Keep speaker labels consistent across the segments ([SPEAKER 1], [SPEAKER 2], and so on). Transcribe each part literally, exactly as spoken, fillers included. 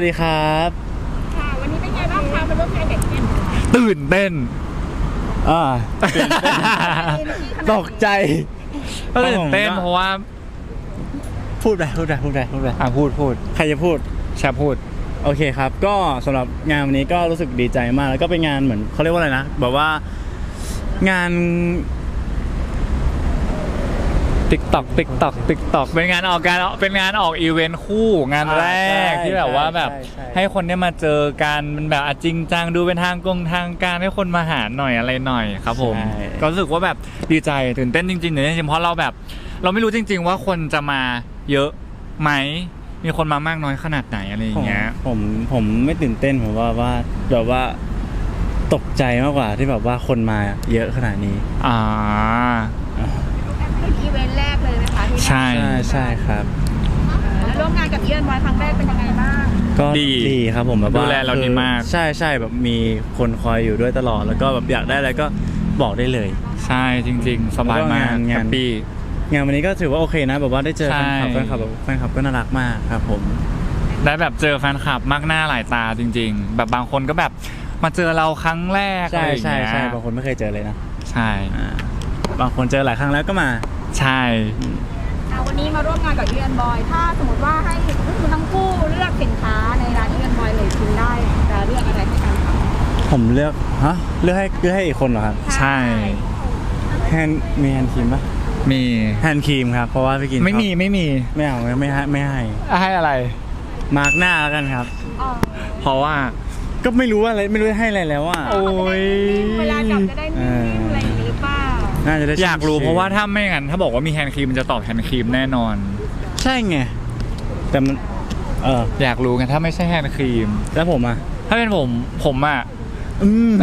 [SPEAKER 1] วัสดีครับ
[SPEAKER 2] ค่ะวันนี้เป็นไงบ้างคะมาร่วมงานกับเอ็ม
[SPEAKER 3] ตื่นเต้น
[SPEAKER 1] อ่าตกใจ
[SPEAKER 3] ตื่นเต้นเพราะว่า
[SPEAKER 1] พูดไปพูดไปพูดไปพูดไป
[SPEAKER 3] อ่ะพูดพูด
[SPEAKER 1] ใครจะพูด
[SPEAKER 3] แชร์พูด
[SPEAKER 1] โอเคครับก็สำหรับงานวันนี้ก็รู้สึกดีใจมากแล้วก็เป็นงานเหมือนเขาเรียกว่าอะไรนะแบบว่างาน
[SPEAKER 3] ติ๊กต็อกติ๊กต็อกติ๊กต็อกเป็นงานออกการเป็นงานออกอีเวนต์คู่งานแรกที่แบบว่าแบบให้คนได้มาเจอกันมันแบบจริงจังดูเป็นทางกงทางการให้คนมาหาหน่อยอะไรหน่อยครับผมก็รู้สึกว่าแบบดีใจตื่นเต้นจริงๆตื่นเต้นจริงเพราะเราแบบเราไม่รู้จริงๆว่าคนจะมาเยอะไหมมีคนมามากน้อยขนาดไหนอะไรอย่างเงี้ย
[SPEAKER 1] ผมผมไม่ตื่นเต้นผมว่าว่าแบบว่าตกใจมากกว่าที่แบบว่าคนมาเยอะขนาดนี้
[SPEAKER 3] อ่า
[SPEAKER 2] เป็นอีเวนต์แรกเลยไหมคะที่
[SPEAKER 3] ใช่
[SPEAKER 1] ใช่ครับ
[SPEAKER 2] แล้วร่วมงานกับเอียนบอยครั้งแรกเป็นยังไงบ้าง
[SPEAKER 1] ก็ดีครับผมแบบว่า
[SPEAKER 3] ดูแลเราดีมาก
[SPEAKER 1] ใช่ใช่แบบมีคนคอยอยู่ด้วยตลอดแล้วก็แบบอยากได้อะไรก็บอกได้เลย
[SPEAKER 3] ใช่จริงๆสบายมากแฮปปี้
[SPEAKER 1] งานวันนี้ก็ถือว่าโอเคนะแบบว่าได้เจอแฟนคลับแฟนคลับแบบแฟนคลับก็น่ารักมากครับผม
[SPEAKER 3] ได้แบบเจอแฟนคลับมากหน้าหลายตาจริงๆแบบบางคนก็แบบมาเจอเราครั้งแรก
[SPEAKER 1] ใช่ใช่ใช่บางคนไม่เคยเจอเลยนะ
[SPEAKER 3] ใช่
[SPEAKER 1] บางคนเจอหลายครั้งแล้วก็มา
[SPEAKER 3] ใช่
[SPEAKER 2] วันนี้มาร่วมงานกับเอียนบอยถ้าสมมติว่าให้คุณทั้งคู่เลือกสินค้าในร้านเอียนบอยเลยชิมได้จะเลือกอะไรให้กันคะ
[SPEAKER 1] ผมเลือกฮะเลือกให้เลือกให้อีกคนเหรอครับ
[SPEAKER 3] ใช่
[SPEAKER 1] แฮนมีแฮนด์ครีมปะ
[SPEAKER 3] มี
[SPEAKER 1] แฮนด์ครีมครับเพราะว่าพี่กิน
[SPEAKER 3] ไม่มีไม่มี
[SPEAKER 1] ไม่เอาไม่ให้ไม่ให้
[SPEAKER 3] ให้อะไร
[SPEAKER 1] มาร์กหน้าแล้วกันครับ
[SPEAKER 3] เพราะว่า
[SPEAKER 1] ก็ไม่รู้ว่าอะไรไม่รู้ให้อะไรแล้วอ่ะ
[SPEAKER 3] โอ้ย
[SPEAKER 2] เวลาจับจะได้นิ่มๆอะไรอย่างนี้หรือเปล่า
[SPEAKER 1] น่าจะได้
[SPEAKER 3] อยากรู้เพราะว่าถ้าไม่งั้นถ้าบอกว่ามีแฮนด์ครีมมันจะตอบแฮนด์ครีมแน่นอน
[SPEAKER 1] ใช่ไงแต่มันเออ
[SPEAKER 3] อยากรู้ไงถ้าไม่ใช่แฮนด์ครีม
[SPEAKER 1] แล้วผมอ่ะ
[SPEAKER 3] ถ้าเป็นผมผมอ่ะอืม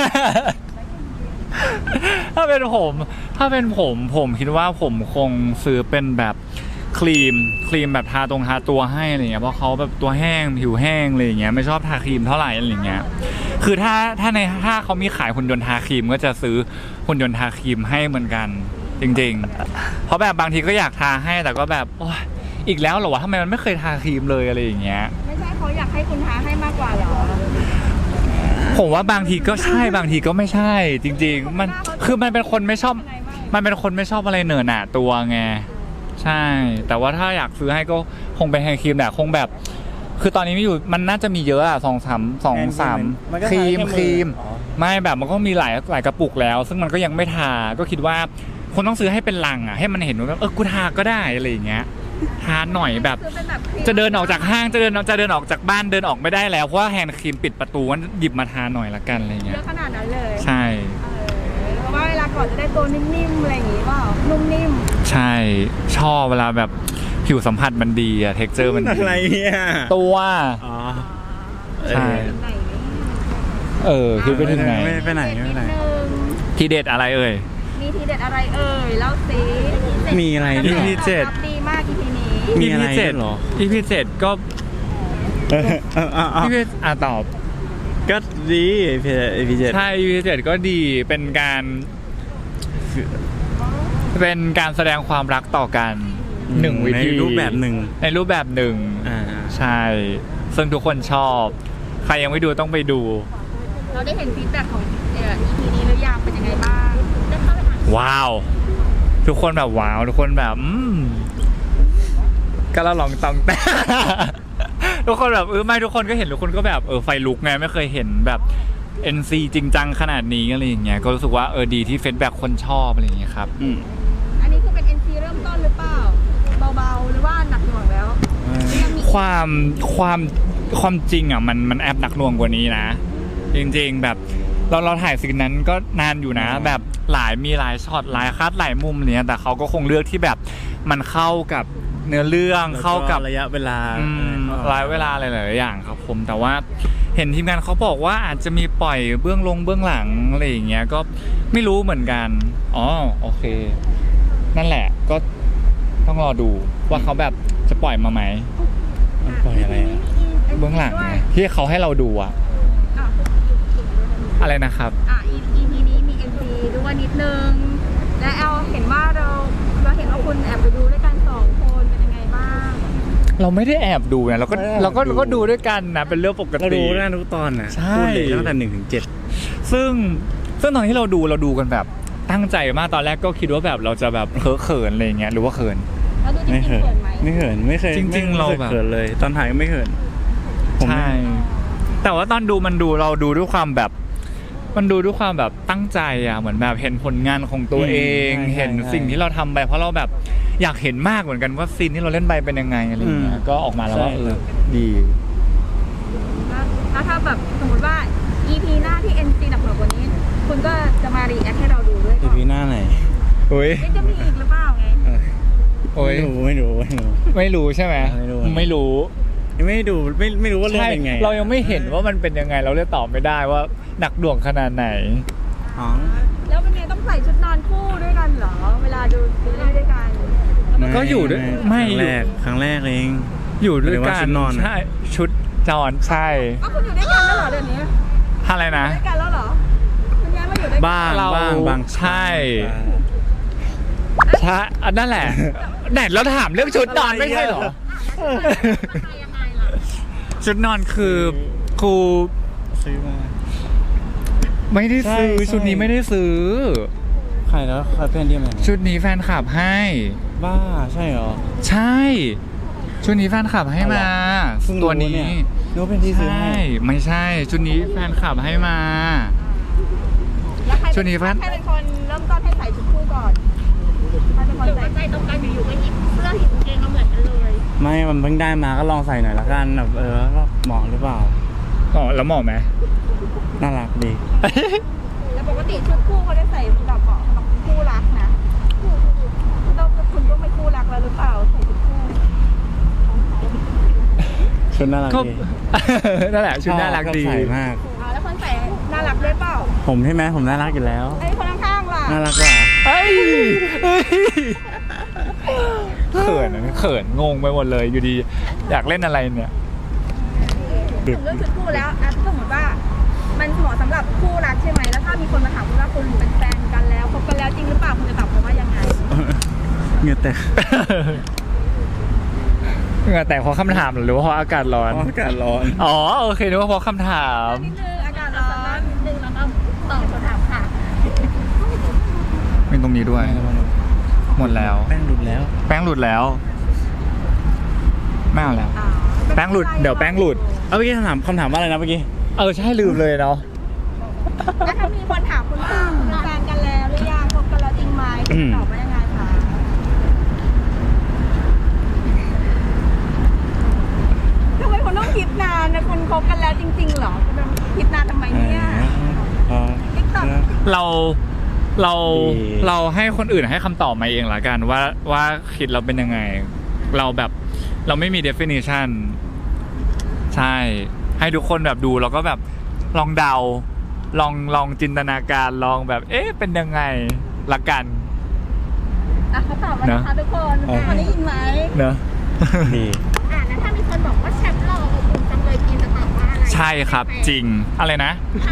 [SPEAKER 3] ถ้าเป็นผมถ้าเป็นผมผมคิดว่าผมคงซื้อเป็นแบบครีมครีมแบบทาตรงทาตัวให้อะไรเงี้ยเพราะเขาแบบตัวแห้งผิวแห้งอะไรอย่างเงี้ยไม่ชอบทาครีมเท่าไหร่อะไรเงี้ยคือถ้าถ้าในถ้าเขามีขายหุ่นยนต์ทาครีมก็จะซื้อหุ่นยนต์ทาครีมให้เหมือนกันจริงๆเพราะแบบบางทีก็อยากทาให้แต่ก็แบบโอ๊ยอีกแล้วเหรอวะทำไมมันไม่เคยทาครีมเลยอะไรอย่างเงี้ย
[SPEAKER 2] ไม่ใช่เขาอยากให้คุณทาให้มากกว่าหรอ
[SPEAKER 3] ผมว่าบางทีก็ใช่บางทีก็ไม่ใช่จริงๆมันคือมันเป็นคนไม่ชอบมันเป็นคนไม่ชอบอะไรเหนอะหนาตัวไงใช่แต่ว่าถ้าอยากซื้อให้ก็คงเป็นแฮนด์ครีมแหละคงแบบคือตอนนี้ไม่อยู่มันน่าจะมีเยอะอะสองสามสองสามครีมครีมไม่แบบมันก็มีหลายหลายกระปุกแล้วซึ่งมันก็ยังไม่ทาก็คิดว่าคนต้องซื้อให้เป็นลังอะให้มันเห็นว่าเออกูทาก็ได้อะไรอย่างเงี้ยทาหน่อยแบบจะเดินออกจากห้างจะเดินจะเดินออกจากบ้านเดินออกไม่ได้แล้วเพราะว่าแฮนด์ครีมปิดประตูงั้นหยิบมาทาหน่อยละกันอะไรเงี้ย
[SPEAKER 2] เยอะขนาดนั้นเลย
[SPEAKER 3] ใช่
[SPEAKER 2] เพราะว่าเวลาก่อนจะได้ตัวนิ่มๆอะไรอย่างงี้เปล่านุ่มนิ่ม
[SPEAKER 3] ใช่ชอบเวลาแบบผิวสัมผัสมันดีอะเท็กเจอร์มัน
[SPEAKER 1] อะไรเนี่ย
[SPEAKER 3] ตัว
[SPEAKER 1] อ๋อ
[SPEAKER 3] ใช่เออคือไปถึงไหน
[SPEAKER 1] ไปไหนไปไหน
[SPEAKER 3] ทีเด็ดอะไรเอ่ย
[SPEAKER 2] มีทีเด็ดอะไรเอ่ยเล่าสิ
[SPEAKER 1] มีอะไร
[SPEAKER 3] อี พี เจ็ด
[SPEAKER 2] ดีมาก อี พี นี้
[SPEAKER 1] มีอะไรเหรอ
[SPEAKER 3] อี พี เจ็ดก็อี พี อ่ะตอบ
[SPEAKER 1] ก็ดี อี พี เจ็ด
[SPEAKER 3] ใช่ อี พี เจ็ดก็ดีเป็นการเป็นการแสดงความรักต่อกันหนึ่งวิธี
[SPEAKER 1] ในรูปแบบหนึ่ง
[SPEAKER 3] ในรูปแบบหนึ่งใช่ซึ่งทุกคนชอบใครยังไม่ดูต้องไปดู
[SPEAKER 2] เราได้เห็นฟีดแบ็กของ อี พี นี้หรือยังเป็นยังไงบ้างได้เข้าไปอ่าน
[SPEAKER 3] ว้าวทุกคนแบบว้าวทุกคนแบบอืมก็ละลองตองแต่ทุกคนแบบเออไม่ทุกคนก็เห็นทุกคนก็แบบเออไฟลุกไงไม่เคยเห็นแบบ เอ็น ซี จริงจังขนาดนี้อะไรอย่างเงี้ยก็รู้สึกว่าเออดีที่ฟีดแบ็กคนชอบอะไรอย่างเงี้ยครับ
[SPEAKER 2] อันนี้คือเป็น เอ็น ซี เริ่มต้นหรือเปล่าเบาๆหรือว่าหนักหน่วงแล้ว
[SPEAKER 3] ความความความจริงอ่ะมันมันแอบหนักหน่วงกว่านี้นะจริงๆแบบเราเราถ่ายซีนนั้นก็นานอยู่นะแบบหลายมีหลายช็อตหลายคัดหลายมุมเนี้ยแต่เขาก็คงเลือกที่แบบมันเข้ากับเนื้อเรื่องเข้ากับ
[SPEAKER 1] ระยะเวลา
[SPEAKER 3] ระยะเวลาหลายๆอย่างครับผมแต่ว่าเห็นทีมงานเขาบอกว่าอาจจะมีปล่อยเบื้องลงเบื้องหลังอะไรอย่างเงี้ยก็ไม่รู้เหมือนกันอ๋อโอเคนั่นแหละก็ต้องรอดูว่าเขาแบบจะปล่อยมาไหม
[SPEAKER 1] ปล่อยอะไร
[SPEAKER 3] เบื้องหลังไงที่เขาให้เราดูอะอะไรนะครับ
[SPEAKER 2] อ่ะ อี พี นี้มี เอ็ม ซี ด้วยนิดนึงและแอลเห็นว่าเราเราเห็นว่าคุณแอบไปดูด้วยกันสองคนเป็นยังไงบ้าง
[SPEAKER 3] เราไม่ได้แอบดูนะเราก็
[SPEAKER 1] ไม่ได้แอบ
[SPEAKER 3] เราก็
[SPEAKER 1] ดู
[SPEAKER 3] เราก็ดูด้วยกันนะเป็นเรื่องปก
[SPEAKER 1] เรา
[SPEAKER 3] ติ
[SPEAKER 1] ดูได้ทุกตอนนะ
[SPEAKER 3] ใช่
[SPEAKER 1] พูดเลยตั้งแต่หนึ่งถึงเจ็ด
[SPEAKER 3] ซึ่งซึ่งตอนที่เราดูเราดูกันแบบตั้งใจมากตอนแรกก็คิดว่าแบบเราจะแบบเขินๆอะไรเงี้ยหรือว่าเขิน
[SPEAKER 2] แล้วดูจริ
[SPEAKER 1] ไม่
[SPEAKER 2] งๆ
[SPEAKER 1] เขิน
[SPEAKER 2] เขินไหม
[SPEAKER 1] ไม่เขินไม่เคย
[SPEAKER 3] จริงๆ
[SPEAKER 1] ไม่
[SPEAKER 3] เรา
[SPEAKER 1] สึก
[SPEAKER 3] แบบ
[SPEAKER 1] เขินเลย ตอนถ่ายก็ไม่เขินผม
[SPEAKER 3] ใช่ แต่ว่าตอนดูมันดูเราดูด้วยความแบบ มันดูด้วยความแบบตั้งใจอ่ะเหมือนแบบเห็นผลงานของตัวเอง เห็นสิ่งที่เราทำไปเพราะเราแบบอยากเห็นมากเหมือนกันว่าซีนที่เราเล่นไปเป็นยังไงอะไรอย่างเงี้ยก็ออกมาแล้วว่าเออดี
[SPEAKER 2] แล้วถ้าแบบสมมติว่า อี พี หน้าที่ เอ็น ซี หนักกว่านี้ คุณก็จะมารีแอคให้เราดูด้วย
[SPEAKER 1] อี
[SPEAKER 2] ก่อน
[SPEAKER 1] พีหน้าไหน
[SPEAKER 3] โอ้ย
[SPEAKER 2] เอ๊ะจะมีอีกหรือเปล่าไง
[SPEAKER 1] เออ
[SPEAKER 3] โอ้ย
[SPEAKER 1] ไม่รู้ไม่รู้ไม่รู้
[SPEAKER 3] ไม่รู้ใช่ไหม
[SPEAKER 1] ไม่รู้
[SPEAKER 3] ไม่รู้
[SPEAKER 1] ยังไม่ดูไม่ไม่รู้ว่าเรื่อง
[SPEAKER 3] ใช่
[SPEAKER 1] เป็นไง
[SPEAKER 3] เรายังไม่เห็นว่ามันเป็นยังไงเราเลยตอบไม่ได้ว่าหนักหน่วงขนาดไหน
[SPEAKER 1] อ๋อ
[SPEAKER 2] แล้วเป็นไงต้องใส่ชุดนอนคู่ด้วยกันเหรอ เวลาดูซีรีส์ด้วยกัน
[SPEAKER 3] ก็อยู่ด้วยไม่
[SPEAKER 1] ครั้ง
[SPEAKER 3] อยู่
[SPEAKER 1] แรกครั้งแรกเอง
[SPEAKER 3] อยู่ด้วย
[SPEAKER 1] หมายถึง
[SPEAKER 3] กั
[SPEAKER 1] ว่าน ชุดนอน
[SPEAKER 3] ใช่ชุดนอนใช่
[SPEAKER 2] ก็คุณอยู่ด้วยกันแล้วเหรอเดี๋ยวนี้
[SPEAKER 3] อะไรนะ
[SPEAKER 2] ด้วยกันแล้วเหรอคุณย้ายมาอยู่ด้วยกัน
[SPEAKER 1] บ้าง
[SPEAKER 3] เรา
[SPEAKER 1] บ้างบาง
[SPEAKER 3] ใช่ ใช่อันนั่นแหละแหนเราถามเรื่องชุดนอนไม่ใช่เหรอ
[SPEAKER 2] ยังไงล่ะ
[SPEAKER 3] ชุดนอนคือครู
[SPEAKER 1] ซื้อมา
[SPEAKER 3] ไม่ได้ซื้อ
[SPEAKER 1] ใช่
[SPEAKER 3] ชุดนี้ไม่ได้ซื้อ
[SPEAKER 1] ใครแล้วใครเพื่อนที่ไหน
[SPEAKER 3] ชุดนี้แฟนคลับให้
[SPEAKER 1] บ้าใช่เหรอ
[SPEAKER 3] ใช่ ชุดนี้แฟนคลับให้มา
[SPEAKER 1] เพิ่งรู้
[SPEAKER 3] ตัวนี้
[SPEAKER 1] เนี่ยนึกว่าเป็นที่ซื้อ
[SPEAKER 3] ใช่
[SPEAKER 1] ให้
[SPEAKER 3] ไม่ใช่ ชุดนี้แฟนคลับให้มา
[SPEAKER 2] แล้วใคร
[SPEAKER 3] ชุดนี้แฟน
[SPEAKER 2] ใครเป็นคนเริ่มต้นให้ใส่ชุดคู่ก่อนใครเป็นคนใส่ใจตรงกันอยู่ๆก็หยิบเสื้อหยิบกางเกงมาเหมือนกันเลย
[SPEAKER 1] ไม่มันเพิ่งได้มาก็ลองใส่หน่อยละกันแบบเออก็เหมาะหรือเปล่า
[SPEAKER 3] อ๋อแล้วเหมาะไหม
[SPEAKER 1] น่ารักดี
[SPEAKER 2] แต่ปกติชุดคู่เขาได้ใส่แบบเหมาะสำหรับคู่รักนะแล้วคุณก็ไม่คู่รักแล้วหรือเปล่าใส่ชุดคู่
[SPEAKER 1] ชุดน่ารัก
[SPEAKER 3] ก็
[SPEAKER 1] ดี
[SPEAKER 3] นั่นแหละชุดน่ารักดี
[SPEAKER 1] ชอบใส่มาก
[SPEAKER 2] อ๋อแล้วคนใส่น่ารักด้วยเปล่า
[SPEAKER 1] ผมใช่ไหมผมน่ารักอยู่แล้ว
[SPEAKER 2] ไอ้คนข้างๆล่ะ
[SPEAKER 1] น่ารักกว่า
[SPEAKER 3] เอ้ยเอ้ยเขินอะเขินงงไปหมดเลยอยู่ดี อยากเล่นอะไรเนี่ย
[SPEAKER 2] ถึงเรื่องชุดคู่แล้วอ่ะสมมติว่า มันเหมาะสำหรับคู่รักใช่ไหมแล้วถ้ามีคนมาถามคุณว่าคุณเป็นแฟนกันแล้วคบกันแล้วจริงหรือเปล่าคุณจะตอบเขาว่ายังไง
[SPEAKER 1] เหงื่อแตก
[SPEAKER 3] เหงื่อแตกเพราะคำถามหรือว่าเพราะอากาศร้อน
[SPEAKER 1] เพราะอากาศร้อน
[SPEAKER 3] อ๋อโอเคนึกว่าเพราะคำถาม
[SPEAKER 2] นิดนึงอากาศร้อนนิดนึงแล้วก็ตอบคำถามค่ะ
[SPEAKER 3] เป็นตรงนี้ด้วย หมดแล้ว
[SPEAKER 1] แป้งหลุดแล้ว
[SPEAKER 3] แป้งหลุดแล้ว ไม่เอาแล้ว
[SPEAKER 2] อ่า
[SPEAKER 3] แป้งหลุดเดี๋ยวแป้งหลุด
[SPEAKER 1] เอาเมื่อกี้คำถามคำถามว่าอะไรนะเมื่อกี้
[SPEAKER 3] เออใช่ลืมเลยเนาะ
[SPEAKER 2] แล้วถ้ามีคนถามคุณว่าคุณเป็นแฟนกันแล้วหรือยังคบกันแล้วจริงไหมคุณตอบว่ายังไงคะทำไมคุณต้องคิดนานนะคุณคบกันแล้วจริงๆเหรอคุณต้องคิดนานทำไมเนี่ย
[SPEAKER 1] พอ
[SPEAKER 2] ติ๊กต็อก
[SPEAKER 3] เราเรา
[SPEAKER 1] ดี
[SPEAKER 3] เราให้คนอื่นให้คำตอบมาเองละกันว่าว่าคิดเราเป็นยังไง เราแบบเราไม่มี definition ใช่ ให้ทุกคนแบบดูแล้วก็แบบลองเดา ลองลองจินตนาการลองแบบ เอ๊ะเป็นยังไงละกัน
[SPEAKER 2] อ่ะเขาตอบแล้วนะคะทุกคนทุกคนได้ยินไหม
[SPEAKER 3] เนอะ
[SPEAKER 1] ดี
[SPEAKER 2] อ่ะแล้วถ้ามีคนบอกว่าแชมป์หล่ออบอุ่นจังเลยกินจะตอบว่าอะไร
[SPEAKER 3] ใช่ครับจริงอะไรนะ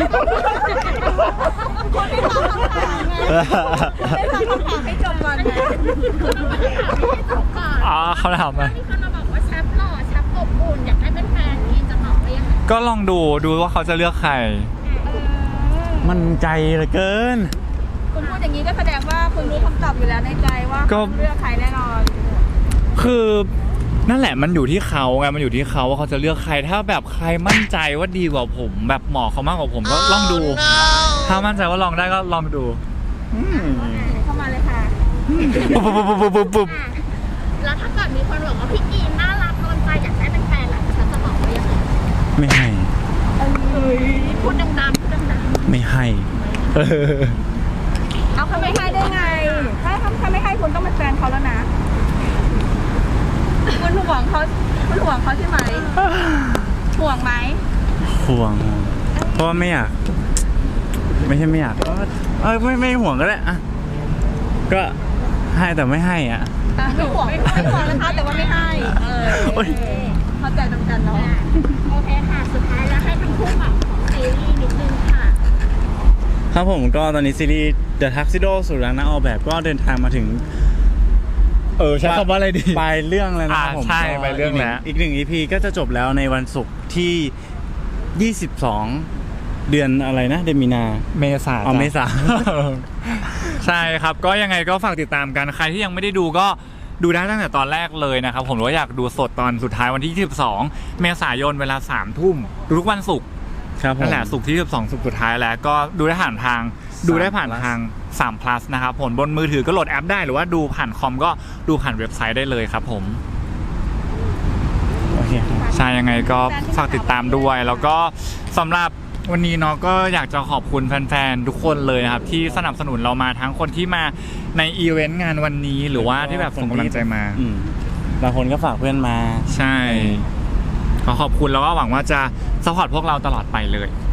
[SPEAKER 2] คนไม่ตอบคำถามไงได้ฟังคำถามให้จบก่อนไงให้จบก่อน
[SPEAKER 3] อ๋อเขาถามมา
[SPEAKER 2] มีคนมาบอกว่าแชมป์หล่อแชมป์อบอุ่นอยากให้เป็นแฟนกินจะตอบว่ายังไง
[SPEAKER 3] ก็ลองดูดูว่าเขาจะเลือกใคร
[SPEAKER 2] เออ
[SPEAKER 1] มันใจเหลือเกิน
[SPEAKER 2] คุณพูดอย่างนี้ก็แสดงว่าคุณรู้คำตอบอยู่แล้วในใจว่า
[SPEAKER 3] ก็
[SPEAKER 2] เขาเลือกใครแน่นอน
[SPEAKER 3] คือนั่นแหละมันอยู่ที่เขาไงมันอยู่ที่เขาว่าเขาจะเลือกใครถ้าแบบใครมั่นใจว่าดีกว่าผม แบบเหมาะเขามากกว่าผมก็ลองดู ถ้ามั่นใจว่าลองได้ก็ลองดู
[SPEAKER 2] เข้ามาเลยค่ะ
[SPEAKER 3] ปุ๊บปุ๊บปุ๊บปุ๊บปุ๊บปุ๊บ
[SPEAKER 2] แล้วถ้าเกิดมีคนบอกว่าพี่กีนน่ารักโดนใจอยากได้เป็นแฟนล่ะฉันจะบอกว่ายังไง
[SPEAKER 1] ไม่ให้
[SPEAKER 2] เอ้ยพูดดังๆพูดดัง
[SPEAKER 1] ไม่ให้
[SPEAKER 3] เออ
[SPEAKER 2] ๆเอาเขาไม่ให้ได้ไง ถ้าถ้าไม่ให้คุณต้องเป็นแฟนเขาแล้วนะคุณห่วงเขาคุณห่วงเขาใช่ไหมห่วงไหม
[SPEAKER 1] ห่วง เพราะว่าไม่อยาก ไม่ใช่ไม่อยากก็เออไม่ไม่ห่วงก็ได้อะก็ให้แต่ไม่ให้อ่ะ
[SPEAKER 2] อ่ะไม่ห่วงไม่ห่วงนะคะแต่ว่าไม่ให้เออ
[SPEAKER 1] โอ๊ย
[SPEAKER 2] เข้าใจตรงกันเนาะโอเคค่ะสุดท้ายแล้วให้ทั้งคู่แบบของซีรีส์นิดนึงค่ะ
[SPEAKER 1] ครับผมก็ตอนนี้ซีรีส์ The Tuxedo สู่รักนักออกแบบก็เดินทางมาถึง
[SPEAKER 3] เออใช้คำว่าอะไรดี
[SPEAKER 1] ปลายเรื่องแล้วนะครับ
[SPEAKER 3] อ่า
[SPEAKER 1] ผม
[SPEAKER 3] ใช่
[SPEAKER 1] ก็
[SPEAKER 3] ปลายเรื่องแล้ว
[SPEAKER 1] อีกหนึ่งอีพีก็จะจบแล้วในวันศุกร์ที่ยี่สิบสองเดือนอะไรนะเดือนมีนา
[SPEAKER 3] เมษา
[SPEAKER 1] อ๋อ
[SPEAKER 3] จ้ะ
[SPEAKER 1] เมษา
[SPEAKER 3] ใช่ครับก็ยังไงก็ฝากติดตามกันใครที่ยังไม่ได้ดูก็ดูได้ตั้งแต่ตอนแรกเลยนะครับผมหรือว่าอยากดูสดตอนสุดท้ายวันที่ยี่สิบสองเมษายนเวลาสามทุ่มทุกวันศุกร์
[SPEAKER 1] ครับผม
[SPEAKER 3] นั่นแหละศุกร์ที่ยี่สิบสองศุกร์สุดท้ายแล้วก็ดูได้ผ่านทางดูได้ผ่าน
[SPEAKER 1] plus
[SPEAKER 3] ทางสาม plus นะครับผมบนมือถือก็โหลดแอปได้หรือว่าดูผ่านคอมก็ดูผ่านเว็บไซต์ได้เลยครับผม
[SPEAKER 1] โอเคครับ
[SPEAKER 3] ใช่ยังไงก็ฝากติดตามด้วย แล้วก็สำหรับวันนี้เนาะก็อยากจะขอบคุณแฟนๆทุกคนเลยนะครับที่สนับสนุนเรามาทั้งคนที่มาในอีเวนต์งานวันนี้หรือว่าที่แบบส่งกำลังใจมา
[SPEAKER 1] อืมบางคนก็ฝากเพื่อนมา
[SPEAKER 3] ใช่ขอขอบคุณแล้วก็หวังว่าจะสปอร์ตพวกเราตลอดไปเลย